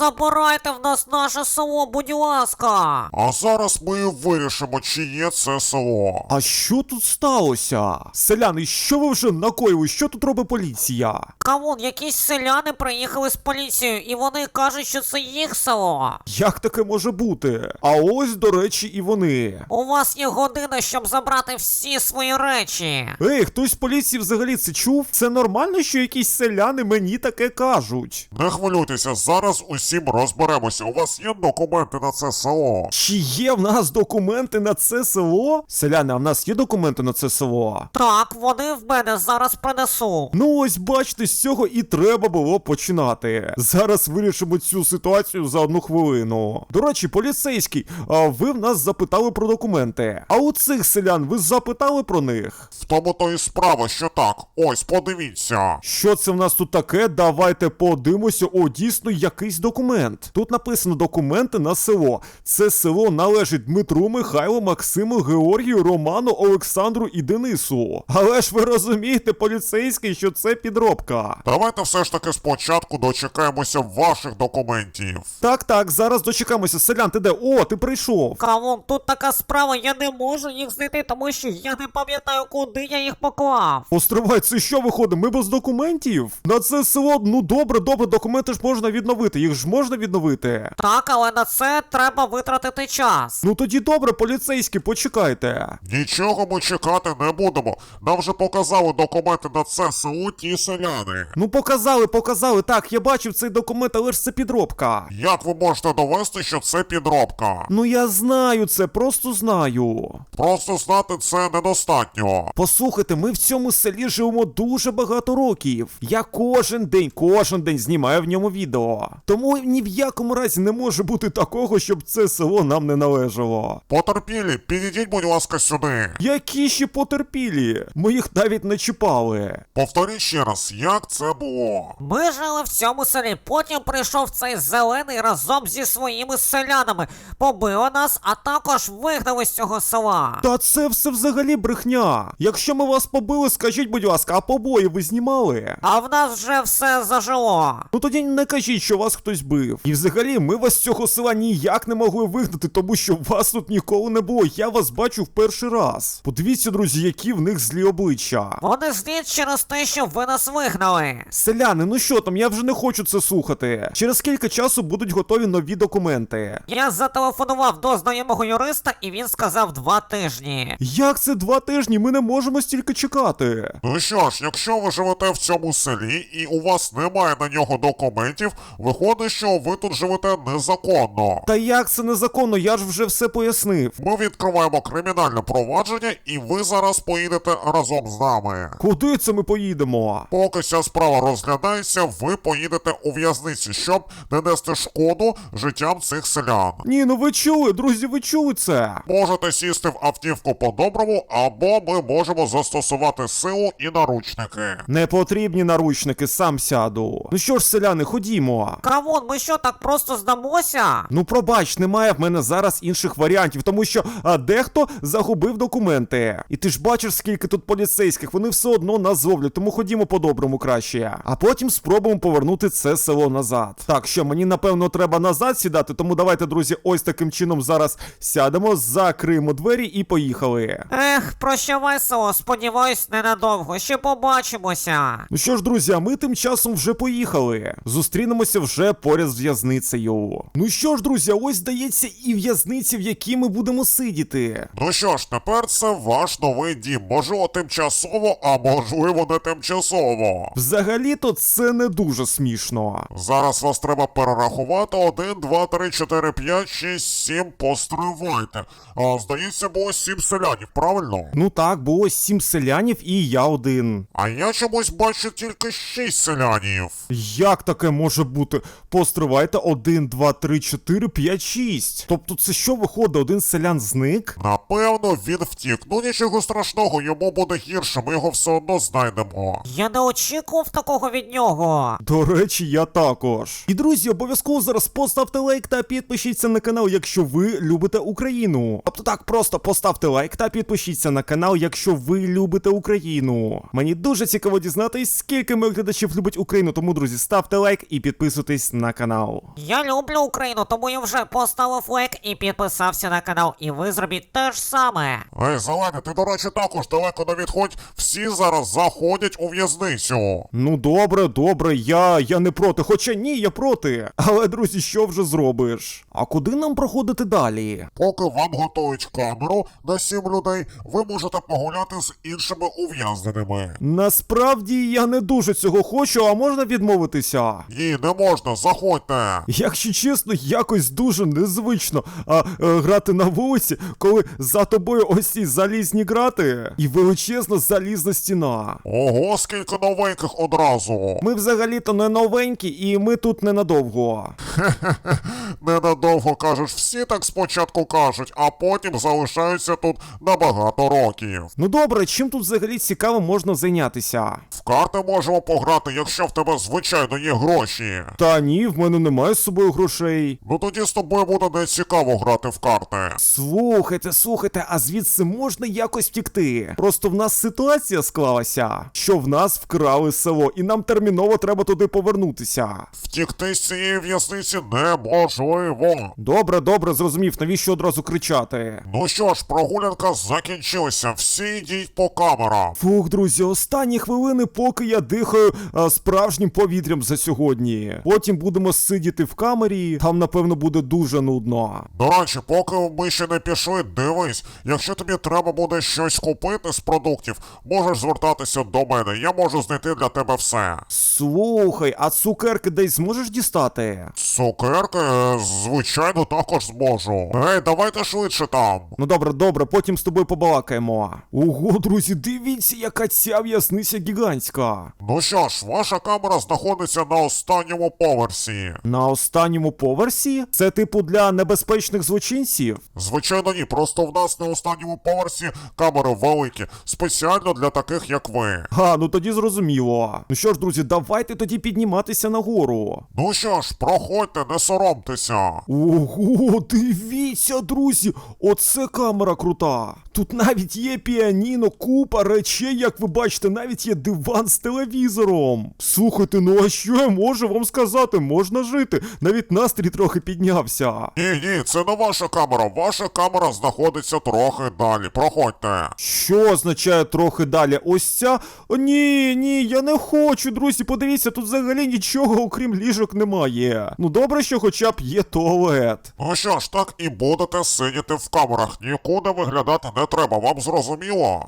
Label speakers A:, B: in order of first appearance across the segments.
A: забирайте в нас наше село, будь ласка.
B: А зараз ми вирішимо, чи є це село.
C: А що тут сталося? Селяни, що ви вже накоїли? Що тут робить поліція?
A: Кавун, якісь селяни приїхали з поліцією, і вони кажуть, що це їх село.
C: Як таке може бути? А ось, до речі, і вони.
A: У вас є година, щоб забрати всі свої речі.
C: Ей, хтось з поліції взагалі це чув? Це нормально, що якісь селяни мені таке кажуть?
B: Не хвилюйтеся, зараз усім розберемося. У вас є документи на це село?
C: Чи є в нас документи на це село? Селяни, а в нас є документи на це село?
A: Так, вони в мене зараз принесу.
C: Ну ось бачите, з цього і треба було починати. Зараз вирішимо цю ситуацію за 1 хвилину. До речі, поліцейський, а ви в нас запитали про документи. А у цих селян ви запитали про них?
B: В тому то і справа, що так. Ось, подивіться.
C: Що це в нас тут таке? Давайте подивимося. О, дійсно, якийсь документ. Тут написано документи на село. Це село належить Дмитру, Михайлу, Максиму, Георгію, Роману, Олександру і Денису. Але ж ви розумієте, поліцейський, що це підробка.
B: Давайте все ж таки спочатку дочекаємося ваших документів.
C: Так, зараз дочекаємося. Селян, ти де? О, ти прийшов.
A: Кавун, тут така справа, я не можу їх знайти, тому що я не пам'ятаю, куди я їх поклав.
C: Постривай, це що виходить? Ми без документів? На це село, ну добре, документи ж можна відновити, їх ж можна відновити.
A: Так, але на це треба витратити час.
C: Ну тоді добре, поліцейські, почекайте.
B: Нічого ми чекати не будемо. Нам вже показали документи на це село ті селяни.
C: Ну показали, так, я бачив цей документ, але ж це підробка.
B: Як ви можете довести, що це підробка?
C: Ну я знаю це, просто знаю.
B: Просто знати це недостатньо.
C: Послухайте, ми в цьому селі живемо дуже багато років. Я кожен день знімаю в ньому відео. Тому ні в якому разі не може бути такого, щоб це село нам не належало.
B: Потерпілі, підійдіть, будь ласка, сюди.
C: Які ще потерпілі? Ми їх навіть не чіпали.
B: Повторіть ще раз, як це було?
A: Ми жили в цьому селі, потім прийшов цей зелений разом зі своїми селянами, побили нас, а також вигнали з цього села.
C: Та це все взагалі брехня. Якщо ми вас побили, скажіть, будь ласка, а побої ви знімали?
A: А в нас вже все зажило.
C: Ну тоді не кажіть, що вас хтось бив. І взагалі, ми вас з цього села ніяк не могли вигнати, тому що вас тут ніколи не було. Я вас бачу в перший раз. Подивіться, друзі, які в них злі обличчя.
A: Вони злі через те, що ви нас вигнали.
C: Селяни, ну що там, я вже не хочу це слухати. Через скільки часу будуть готові нові документи?
A: Я зателефонував до знайомого юриста, і він сказав 2 тижні.
C: Як це 2 тижні? Ми не можемо стільки чекати.
B: Ну що ж, якщо ви живете в цьому селі і у вас немає на нього документів, виходить, що ви тут живете незаконно.
C: Та як це незаконно? Я ж вже все пояснив.
B: Ми відкриваємо кримінальне провадження, і ви зараз поїдете разом з нами.
C: Куди це ми поїдемо?
B: Поки ця справа розглядається, ви поїдете у в'язницю, щоб не нести шкоду життям цих селян.
C: Ні, ну ви чули, друзі, ви чули це?
B: Можете сісти в автівку по-доброму, або ми можемо застосувати силу і наручники.
C: Не потрібні наручники, сам сяду. Ну що ж, селяни, ходімо.
A: Кавун, ми що, так просто здамося?
C: Ну пробач, немає в мене зараз інших варіантів, тому що дехто загубив документи. І ти ж бачиш, скільки тут поліцейських, вони все одно нас зловлять, тому ходімо по-доброму краще. А потім спробуємо повернути це село назад. Так, що, мені напевно треба назад сідати, тому давайте, друзі, ось таким чином зараз сядемо, закриємо двері і поїхали.
A: Ех, прощавай, село, сподіваюсь, ненадовго, ще побачимося.
C: Ну що ж, друзі, а ми тим часом вже поїхали. Зустрінемося вже поряд з в'язницею. Ну що ж, друзі, ось здається і в'язниця, в якій ми будемо сидіти.
B: Ну що ж, тепер це ваш новий дім. Можливо, тимчасово, а можливо, не тимчасово.
C: Взагалі-то це не дуже смішно.
B: Зараз вас треба перерахувати. 1, 2, 3, 4, 5, 6, 7. Постривайте. Здається, було 7 селянів, правильно?
C: Ну так, було 7 селянів і я один.
B: А я чомусь бачу тільки 6 селянів.
C: Як таке може бути? Постривайте, 1, 2, 3, 4, 5, 6. Тобто це що виходить, один селян зник?
B: Напевно, він втік. Ну нічого страшного, йому буде гірше, ми його все одно знайдемо.
A: Я не очікував такого від нього.
C: До речі, я також. І, друзі, обов'язково зараз поставте лайк та підпишіться на канал, якщо ви любите Україну. Тобто так, просто поставте лайк та підпишіться на канал, якщо ви любите Україну. Мені дуже цікаво дізнатись, скільки моїх глядачів любить Україну, тому, друзі, ставте лайк і підписуйтесь на канал.
A: Я люблю Україну, тому я вже поставив лайк і підписався на канал. І ви зробіть те ж саме.
B: Ей, Зелений, ти, до речі, також далеко не відходь. Всі зараз заходять у в'язницю.
C: Ну добре, я не проти. Хоча ні, я проти. Але, друзі, що вже зробиш? А куди нам проходити далі?
B: Поки вам готують камеру на 7 людей, ви можете погуляти з іншими ув'язненими.
C: Насправді я не дуже цього хочу, а можна відмовитися?
B: Ні, не можна, заходьте.
C: Якщо чесно, якось дуже незвично грати на вулиці, коли за тобою ось ці залізні грати і величезна залізна стіна.
B: Ого, скільки новеньких одразу.
C: Ми взагалі-то не новенькі, і ми тут ненадовго.
B: Ненадовго кажеш, всі так спочатку кажуть, а потім залишаються тут на багато років.
C: Ну добре, чим тут взагалі цікаво можна зайнятися?
B: В карти можемо пограти, якщо в тебе, звичайно, є гроші.
C: Та ні, в мене немає з собою грошей.
B: Ну тоді з тобою буде не цікаво грати в карти.
C: Слухайте, а звідси можна якось втікти? Просто в нас ситуація склалася, що в нас вкрали село, і нам терміново треба туди повернутися.
B: Втікти з цієї в'язниці неможливо.
C: Добре, зрозумів, навіщо одразу кричати?
B: Ну що ж, прогулянка закінчилася, всі йдіть по камерам.
C: Фух, друзі, останні хвилини, поки я дихаю справжнім повітрям за сьогодні. Потім будемо сидіти в камері, там, напевно, буде дуже нудно.
B: До речі, поки ми ще не пішли, дивись, якщо тобі треба буде щось купити з продуктів, можеш звертатися до мене, я можу знайти для тебе все.
C: Слухай, а цукерки десь зможеш дістати?
B: Цукерки, звичайно, також зможу. Ей, давайте швидше там.
C: Ну добре, потім з тобою побалакаємо. Ого, друзі, дивіться, яка ця в'язниця гігантська.
B: Ну що ж, ваша камера знаходиться на останньому поверсі.
C: На останньому поверсі? Це типу для небезпечних злочинців?
B: Звичайно ні, просто в нас на останньому поверсі камери великі, спеціально для таких, як ви.
C: Ну тоді зрозуміло. Ну що ж, друзі, давайте тоді підніматися нагору.
B: Ну що ж, проходьте, не соромтеся.
C: Ого, дивіться, друзі, оце камера крута. Тут навіть є піаніно, купа речей, як ви бачите, навіть є диван з телевізором. Слухайте, ну а що я можу вам сказати? Можна жити. Навіть настрій трохи піднявся.
B: Ні, це не ваша камера. Ваша камера знаходиться трохи далі. Проходьте.
C: Що означає трохи далі? Ось ця? О, ні, я не хочу, друзі, подивіться, тут взагалі нічого, окрім ліжок, немає. Ну добре, що хоча б є туалет.
B: Ну що ж, так і будете сидіти в камерах. Нікуди виглядати не треба, вам зрозуміло?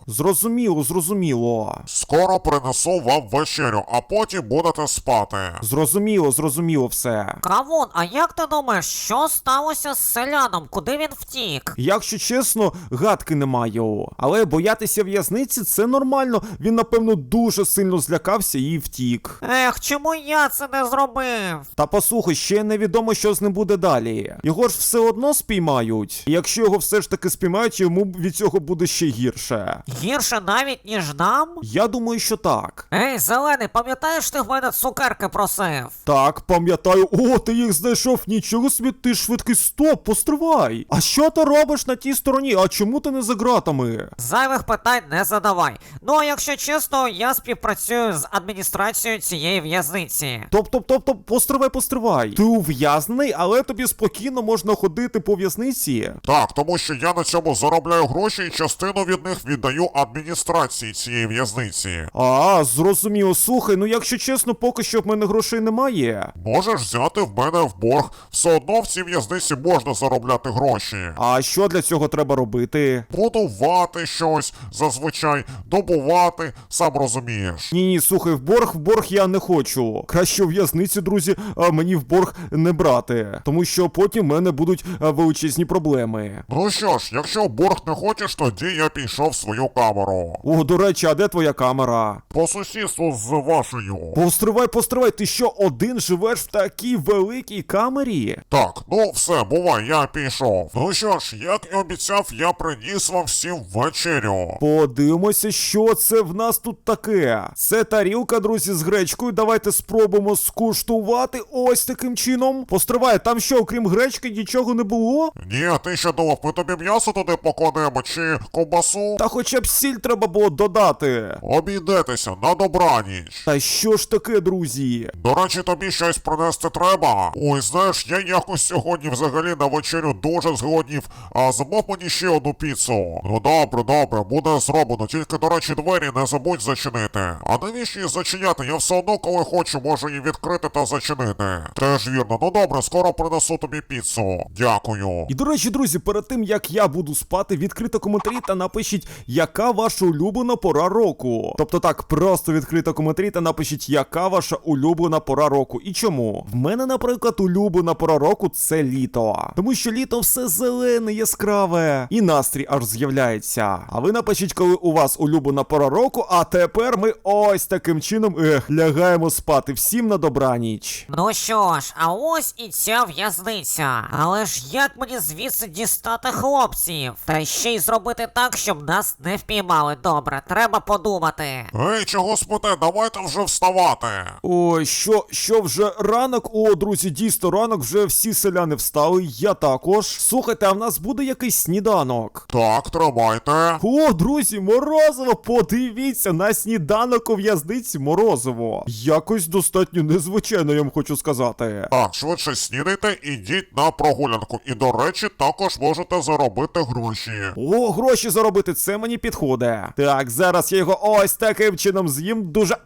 C: Зрозуміло.
B: Скоро принесу вам вечерю, а потім будете спати.
C: Зрозуміло все.
A: Кавун, а як ти думаєш, що сталося з селяном? Куди він втік?
C: Якщо чесно, гадки не маю. Але боятися в'язниці – це нормально. Він, напевно, дуже сильно злякався і втік.
A: Ех, чому я це не зробив?
C: Та послухай, ще невідомо, що з ним буде далі. Його ж все одно спіймають. І якщо його все ж таки спіймають, йому від цього буде ще гірше.
A: Гірше навіть, ніж нам?
C: Я думаю, що так.
A: Ей, Зелений, пам'ятаєш, ти в мене цукерки просив?
C: Так, пам'ятаю. О, ти їх знайшов. Нічого собі, ти швидкий. Стоп, постривай. А що ти робиш на тій стороні? А чому ти не за ґратами?
A: Зайвих питань не задавай. Ну, а якщо чесно, я співпрацюю з адміністрацією цієї в'язниці.
C: Тобто, постривай. Ти ув'язнений, але тобі спокійно можна ходити по в'язниці?
B: Так, тому що я на цьому заробляю гроші і частину від них віддаю адміністрації цієї в'язниці.
C: Зрозуміло. Слухай, ну якщо чесно, поки що в мене грошей немає.
B: Можеш взяти в мене в борг. Все одно в цій в'язниці можна заробляти гроші.
C: А що для цього треба робити?
B: Будувати щось, зазвичай, добувати, сам розумієш.
C: Ні, слухай, в борг я не хочу. Краще у в'язниці, друзі, мені в борг не брати. Тому що потім в мене будуть величезні проблеми.
B: Ну що ж, якщо в борг не хочеш, тоді я пішов в свою камеру.
C: О, до речі, а де твоя камера?
B: По сусідству з вашою.
C: Постривай, ти що, один живеш в такій великій камері?
B: Так, ну все, бувай, я пішов. Ну що ж, як і обіцяв, я приніс вам всім вечерю.
C: Подивимося, що це в нас тут таке. Це тарілка, друзі, з гречкою. Давайте спробуємо скуштувати ось таким чином. Постривай, Немає? Там що, окрім гречки, нічого не було?
B: Ні, ти що думав, ми тобі м'ясо туди покладемо чи ковбасу?
C: Та хоча б сіль треба було додати.
B: Обійдетеся, на добраніч.
C: Та що ж таке, друзі?
B: До речі, тобі щось принести треба? Ой, знаєш, я якось сьогодні взагалі на вечерю дуже зголоднів, а замов мені ще одну піцу. Ну добре, буде зроблено, тільки, до речі, двері не забудь зачинити. А навіщо її зачиняти? Я все одно, коли хочу, можу її відкрити та зачинити. Теж вірно, ну добре, скоро принесу тобі піцу. Дякую.
C: І до речі, друзі, перед тим як я буду спати, відкрито коментарі та напишіть, яка ваша улюблена пора року. Тобто так, просто відкрито коментарі та напишіть, яка ваша улюблена пора року і чому. В мене, наприклад, улюблена пора року це літо. Тому що літо все зелене, яскраве. І настрій аж з'являється. А ви напишіть, коли у вас улюблена пора року, а тепер ми ось таким чином, лягаємо спати. Всім на добраніч.
A: Ну що ж, а ось і ця в'язниця. Але ж як мені звідси дістати хлопців? Та ще й зробити так, щоб нас не впіймали. Добре, треба подумати.
B: Ей, чого спите? Давайте вже вставати.
C: Ой, що вже ранок? О, друзі, дійсно ранок, вже всі селяни встали, я також. Слухайте, а в нас буде якийсь сніданок?
B: Так, тримайте.
C: О, друзі, морозиво, подивіться, на сніданок у в'язниці морозиво. Якось достатньо незвичайно, я вам хочу сказати.
B: Так, швидше снідайте, ідіть на прогулянку. І, до речі, також можете заробити гроші.
C: О, гроші заробити, це мені підходить. Так, зараз я його ось таким чином з'їм дуже...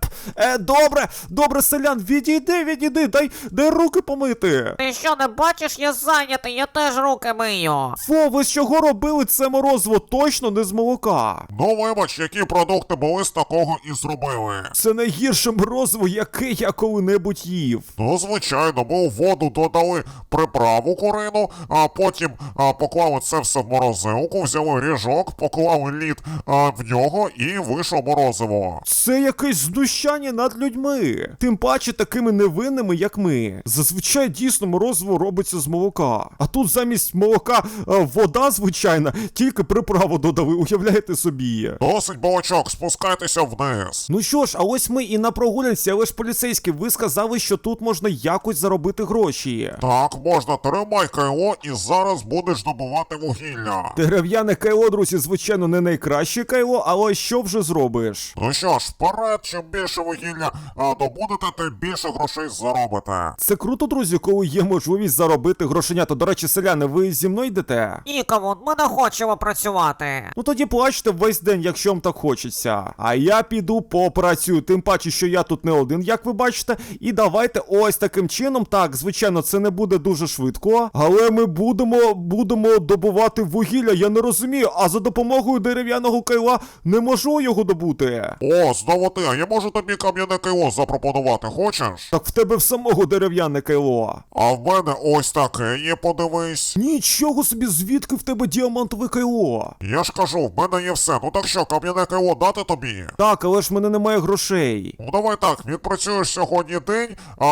C: Добре, селян, відійди, дай руки помити.
A: Ти що, не бачиш, я зайнятий, я теж руки мию.
C: Фу, ви з чого робили це морозиво? Точно не з молока.
B: Ну, вибач, які продукти були з такого і зробили.
C: Це найгірше морозиво, яке я коли-небудь їв.
B: Ну, звичайно, ми у воду додали приправу курину, а потім поклали це все в морозилку, взяли ріжок, поклали лід в нього і вийшло морозиво.
C: Це якесь знущання над людьми. Тим паче такими невинними, як ми. Зазвичай дійсно морозиво робиться з молока. А тут замість молока вода звичайна, тільки приправу додали, уявляєте собі.
B: Досить балачок, спускайтеся вниз.
C: Ну що ж, а ось ми і на прогулянці, але ж поліцейські, ви сказали, що тут можна якось заробити гроші.
B: Так, можна, тримай кайло і зараз будеш добувати вугілля.
C: Дерев'яне кайло, друзі, звичайно, не найкраще кайло, але що вже зробиш?
B: Ну що ж, вперед, чим більше вугілля добудете, тим більше грошей заробите.
C: Це круто, друзі, коли є можливість заробити грошенята. До речі, селяни, ви зі мною йдете?
A: Нікому, ми не хочемо працювати.
C: Ну тоді плачте весь день, якщо вам так хочеться. А я піду попрацюю, тим паче, що я тут не один, як ви бачите. І давайте ось таким чином, так, звичайно, це не буде дуже швидко, але ми будемо добувати вугілля, я не розумію, а за допомогою дерев'яного кайла не можу його добути.
B: О, знову ти, а я можу тобі кам'яне кайло запропонувати, хочеш?
C: Так в тебе в самого дерев'яне кайло.
B: А в мене ось таке є, подивись.
C: Нічого собі, звідки в тебе діамантове кайло?
B: Я ж кажу, в мене є все, ну так що, кам'яне кайло дати тобі?
C: Так, але ж в мене немає грошей.
B: Ну давай так, відпрацюєш сьогодні день,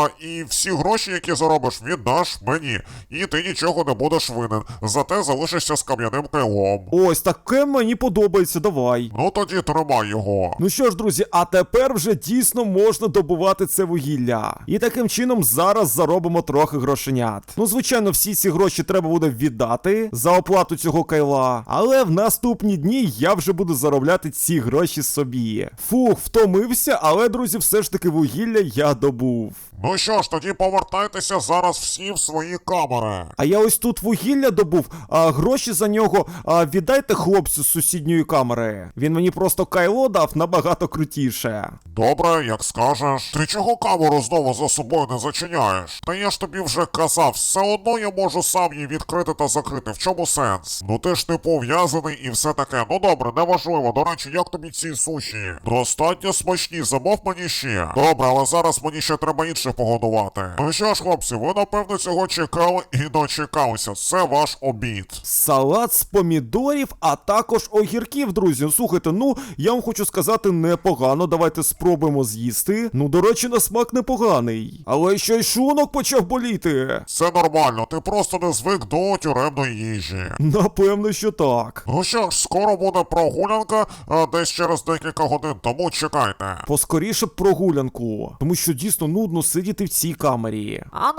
B: і всі гроші, які заробиш, віддаш мені. І ти нічого не будеш винен, зате залишишся з кам'яним кайлом.
C: Ось таке мені подобається, давай.
B: Ну тоді тримай його.
C: Ну що ж, друзі, а тепер вже дійсно можна добувати це вугілля. І таким чином зараз заробимо трохи грошенят. Ну, звичайно, всі ці гроші треба буде віддати за оплату цього кайла. Але в наступні дні я вже буду заробляти ці гроші собі. Фух, втомився, але, друзі, все ж таки вугілля я добув.
B: Ну що ж, тоді повертайтеся зараз всі в свої камери.
C: А я ось тут вугілля добув, а гроші за нього віддайте хлопцю з сусідньої камери. Він мені просто кайло дав набагато крутіше.
B: Добре, як скажеш. Ти чого камеру знову за собою не зачиняєш? Та я ж тобі вже казав, все одно я можу сам її відкрити та закрити. В чому сенс? Ну ти ж не пов'язаний і все таке. Ну добре, неважливо. До речі, як тобі ці суші? Достатньо смачні, замов мені ще. Добре, але зараз мені ще треба інших погодувати. Ну що ж, хлопці, ви напевно цього чекали і дочекалися. Це ваш обід.
C: Салат з помідорів, а також огірків, друзі. Ну, слухайте, ну, я вам хочу сказати, непогано. Давайте спробуємо з'їсти. Ну, до речі, на смак непоганий. Але ще й шлунок почав боліти.
B: Це нормально, ти просто не звик до тюремної їжі.
C: Напевно, що так.
B: Ну що ж, скоро буде прогулянка, десь через декілька годин, тому чекайте.
C: Поскоріше б прогулянку. Тому що дійсно нудно сидіти в цій камері.
A: А нам кавун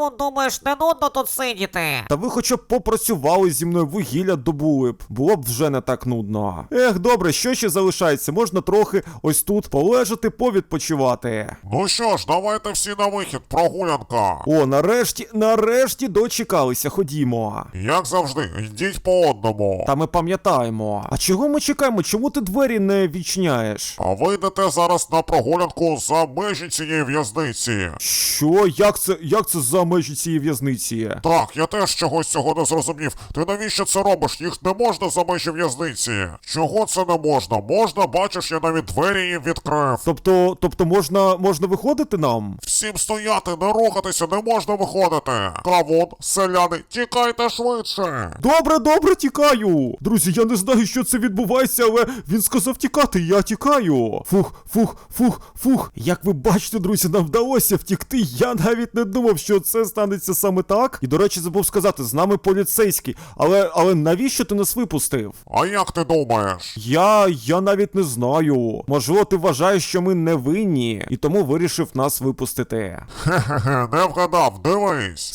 A: Кавун, думаєш, не нудно тут сидіти?
C: Та ви хоча б попрацювали зі мною, вугілля добули б. Було б вже не так нудно. Ех, добре, що ще залишається? Можна трохи ось тут полежати, повідпочивати.
B: Ну що ж, давайте всі на вихід, прогулянка.
C: О, нарешті дочекалися, ходімо.
B: Як завжди, йдіть по одному.
C: Та ми пам'ятаємо. А чого ми чекаємо? Чому ти двері не відчиняєш?
B: А ви йдете зараз на прогулянку за межі цієї в'язниці.
C: Що? Як це за межі цієї в'язниці?
B: Так, я теж чогось цього не зрозумів. Ти навіщо це робиш? Їх не можна за межі в'язниці. Чого це не можна? Можна, бачиш, я навіть двері їм відкрив.
C: Тобто можна виходити нам?
B: Всім стояти, не рухатися, не можна виходити. Кавун, селяни, тікайте швидше.
C: Добре, тікаю. Друзі, я не знаю, що це відбувається, але він сказав тікати, я тікаю. Фух. Як ви бачите, друзі, нам вдалося втікти. Я навіть не думав, що це станеться саме так. І, до речі, забув сказати, з нами поліцейський. Але навіщо ти нас випустив?
B: А як ти думаєш?
C: Я навіть не знаю. Можливо, ти вважаєш, що ми не винні, і тому вирішив нас випустити.
B: Хе-хе-хе, не вгадав, дивись.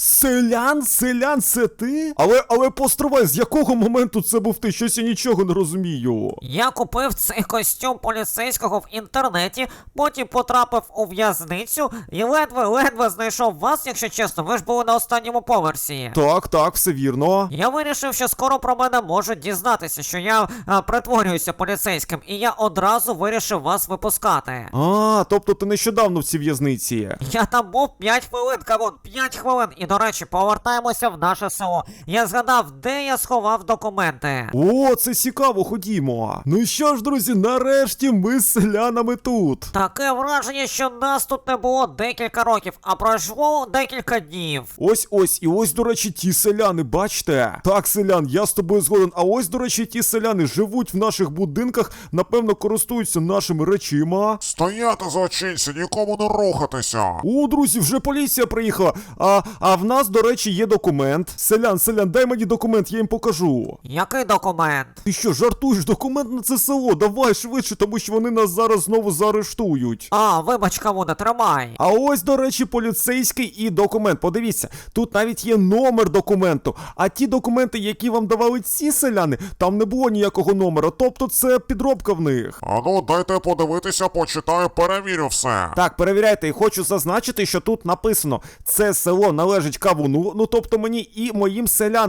C: Селян, це ти? Але постривай, з якого моменту це був ти? Щось я нічого не розумію.
A: Я купив цей костюм поліцейського в інтернеті, потім потрапив у в'язницю і ледве знайшов вас, якщо чесно, ви ж були на останньому поверсі.
C: Так, все вірно.
A: Я вирішив, що скоро про мене можуть дізнатися, що я притворююся поліцейським, і я одразу вирішив вас випускати.
C: Тобто ти нещодавно в цій в'язниці.
A: Я там був 5 хвилин, Кавун, 5 хвилин. І, до речі, повертаємося в наше село. Я згадав, де я сховав документи.
C: О, це цікаво, ходімо. Ну що ж, друзі, нарешті ми з селянами тут.
A: Таке враження, що нас тут не було декілька років, а пройшло декілька днів.
C: Ось, до речі, ті селяни, бачите? Так, селян, я з тобою згоден. А ось, до речі, ті селяни живуть в наших будинках, напевно, користуються нашими речима.
B: Стояти злочинці, нікому не рухатися.
C: О, друзі, вже поліція приїхала. А в нас, до речі, є документ. Селян, дай мені документ, я їм покажу.
A: Який документ?
C: Ти що, жартуєш? Документ на це село? Давай швидше, тому що вони нас зараз знову заарештують.
A: Вибач, Кавуне, тримай.
C: А ось, до речі, поліцейський і документ. Подивіться, тут навіть є номер документу. А ті документи, які вам давали ці селяни, там не було ніякого номера. Тобто це підробка в них.
B: Ану, дайте подивитися, почитаю, перевірю все.
C: Так, перевіряйте, і хочу зазначити, що тут написано: це село належить Кавуну, ну тобто мені і моїм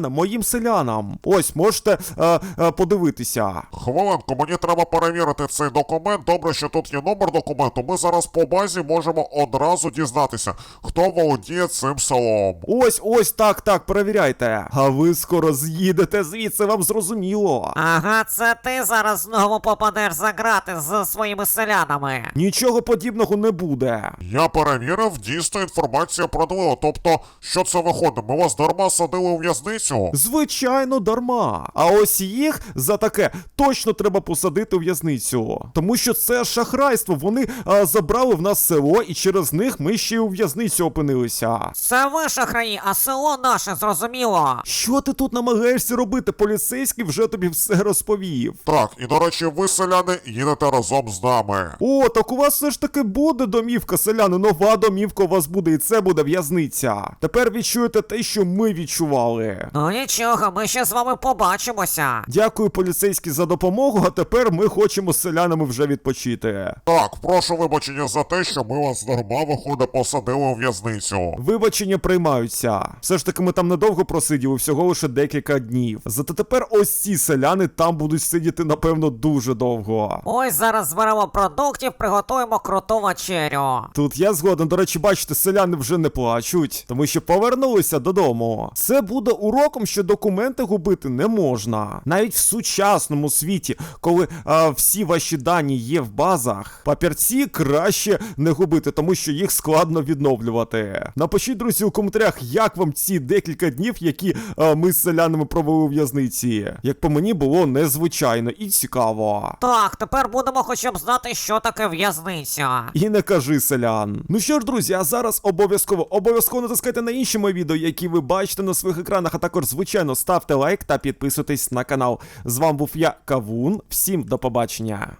C: селянам. Ось, можете подивитися.
B: Хвилинку, мені треба перевірити цей документ. Добре, що тут є номер документу. Ми зараз по базі можемо одразу дізнатися, хто володіє цим селом.
C: Ось, так, перевіряйте. А ви скоро з'їдете звідси, вам зрозуміло.
A: Ага, це ти зараз знову попадеш за грати з своїми селянами.
C: Нічого подібного не буде.
B: Я перевірив, дійсно інформація правдива. Тобто, що це виходить? Ми вас дарма садили у в'язницю?
C: Звичайно, дарма. А ось їх за таке точно треба посадити у в'язницю. Тому що це шахрайство. Вони забрали в нас село, і через них ми ще й у в'язницю опинилися.
A: Це ви шахраї, а село наше, зрозуміло.
C: Що ти тут намагаєшся робити? Поліцейський вже тобі все розповів.
B: Так, і до речі, ви, селяни, їдете разом з нами.
C: О, так у вас все ж таки буде домівка, селяни. Нова домівка у вас буде, і це буде в'язниця. Тепер відчуєте те, що ми відчували.
A: Ну нічого, ми ще з вами побачимося.
C: Дякую, поліцейський, за допомогу, а тепер ми хочемо з селянами вже відпочити.
B: Так, прошу вибачення за те, що ми вас дарма, виходить, посадили у в'язницю.
C: Вибачення приймаються. Все ж таки ми там недовго просиділи, всього лише декілька днів. Зате тепер ось ці селяни там будуть сидіти, напевно, дуже довго.
A: Ось зараз зберемо продуктів, приготуємо круту вечерю.
C: Тут я згоден, до речі, бачите, селяни вже не плачуть, тому що повернулися додому. Це буде уроком, що документи губити не можна. Навіть в сучасному світі, коли всі ваші дані є в базах, папірці краще не губити, тому що їх складно відновлювати. Напишіть, друзі, у коментарях, як вам ці декілька днів, які ми з селянами провели у в'язниці. Як по мені, було незвичайно і цікаво.
A: Так, тепер будемо хоча б знати, що таке в'язниця.
C: І не кажи, селян. Ну що ж, друзі, а зараз обов'язково натискайте на інші мої відео, які ви бачите на своїх екранах, а також, звичайно, ставте лайк та підписуйтесь на канал. З вами був я, Кавун. Всім до побачення.